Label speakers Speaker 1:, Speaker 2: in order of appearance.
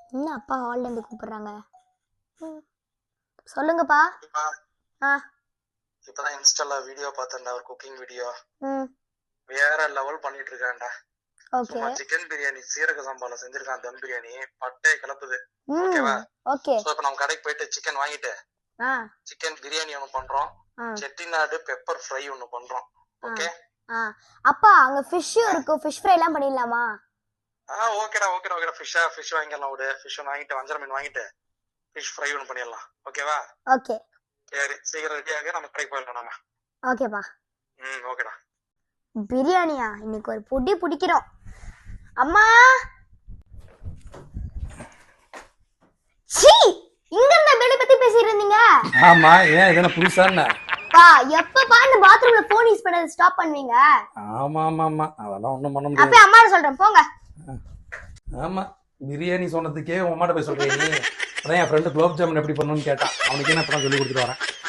Speaker 1: என்ன அப்பா ஹால்ல இருந்து கூப்பிடுறாங்க? சொல்லுங்கப்பா. ஆ.
Speaker 2: இப்பதான் இன்ஸ்டால வீடியோ பார்த்தேன்டா, ஒரு குக்கிங் வீடியோ.
Speaker 1: ம்.
Speaker 2: வேற லெவல் பண்ணிட்டு இருக்கான்டா.
Speaker 1: ஓகே.
Speaker 2: சும்மா சிக்கன் பிரியாணி சீரக சம்பால செஞ்சிருக்கான், தம் பிரியாணி பட்டே கலப்புது.
Speaker 1: ம்.
Speaker 2: ஓகேவா?
Speaker 1: ஓகே.
Speaker 2: சோ இப்போ நம்ம கடைக்கு போயிட்டு சிக்கன் வாங்கிட்டு சிக்கன் பிரியாணி ஒன்று பண்றோம், செட்டிநாடு பெப்பர் ஃப்ரை ஒன்று பண்றோம். ஓகே.
Speaker 1: அப்பா அங்க ஃபிஷ் இருக்கும், ஃபிஷ் ஃப்ரை எல்லாம் பண்ணிடலாமா?
Speaker 2: ஓகேடா ஓகேடா ஓகேடா. ஃபிஷ் வாங்கிடலாம். விடு, ஃபிஷ் ஒன்று வாங்கிட்டு வஞ்சர மீன் வாங்கிட்டு ஃபிஷ் ஃப்ரை ஒன்று பண்ணிடலாம். ஓகேவா?
Speaker 1: ஓகே.
Speaker 2: சரி, சீக்கிரம் ரெடியாக நம்ம கடைக்கு போயிடலாம் நாம.
Speaker 1: ஓகேப்பா.
Speaker 2: ஓகேடா.
Speaker 1: பிரியாணியா? இன்னைக்கு ஒரு பொடி பிடிக்கிறோம். அம்மா சீ, இங்க இருந்த பேலை பத்தி பேசிட்டு இருந்தீங்க.
Speaker 3: ஆமா, ஏன் இதென்ன புதுசா என்ன?
Speaker 1: பா எப்பப்பா இந்த பாத்ரூம்ல போன் யூஸ் பண்ணது ஸ்டாப் பண்ணுவீங்க?
Speaker 3: ஆமா ஆமா ஆமா, அதெல்லாம் ஒண்ணும் பண்ண முடியாது.
Speaker 1: அப்ப அம்மா சொல்றேன் போங்க.
Speaker 3: ஆமா, பிரியாணி சொன்னதுக்கே உன் அம்மாட்ட போய் சொல்றீங்க நீ. அதான் என் ஃப்ரெண்டு குலோப் ஜாமுன் எப்படி பண்ணணும்னு கேட்டான், அவனுக்கு என்ன இப்பதான் சொல்லி கொடுத்துட்டு வரேன்.